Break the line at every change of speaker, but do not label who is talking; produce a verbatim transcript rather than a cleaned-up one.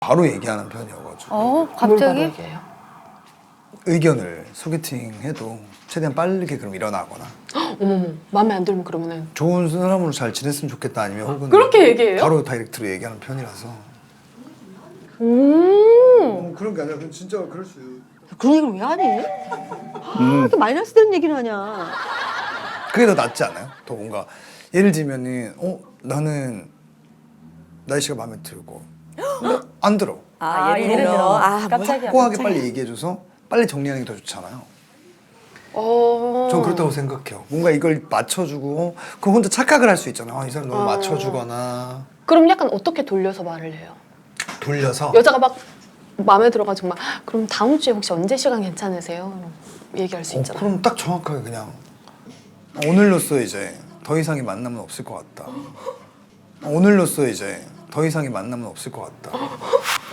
바로 얘기하는 편이어가지고.
어?
뭘
갑자기?
바로 얘기해요?
의견을 소개팅 해도 최대한 빠르게 그럼 일어나거나
어머머, 마음에 안 들면 그러면은
좋은 사람으로 잘 지냈으면 좋겠다 아니면 혹은
그렇게 얘기해요?
바로 다이렉트로 얘기하는 편이라서.
음.
어, 그런 게 아니라 그냥 진짜 그럴 수.
그런 얘기를 왜 하니? 아, 이렇게 마이너스 되는 얘기를 하냐?
그게 더 낫지 않아요? 더 뭔가 예를 들면은 어 나는 날씨가 마음에 들고 근데 안 들어.
아, 예를 들어. 아,
깜짝이야.
확고하게 빨리 얘기해줘서 빨리 정리하는 게 더 좋잖아요.
어.
전 그렇다고 생각해요. 뭔가 이걸 맞춰주고 그 혼자 착각을 할 수 있잖아요. 아, 이 사람 너무
어.
맞춰주거나
그럼 약간 어떻게 돌려서 말을 해요?
돌려서
여자가 막 마음에 들어가지고 막 그럼 다음 주에 혹시 언제 시간 괜찮으세요? 얘기할 수
어,
있잖아.
그럼 딱 정확하게 그냥 오늘로써 이제 더 이상의 만남은 없을 것 같다. 오늘로써 이제 더 이상의 만남은 없을 것 같다.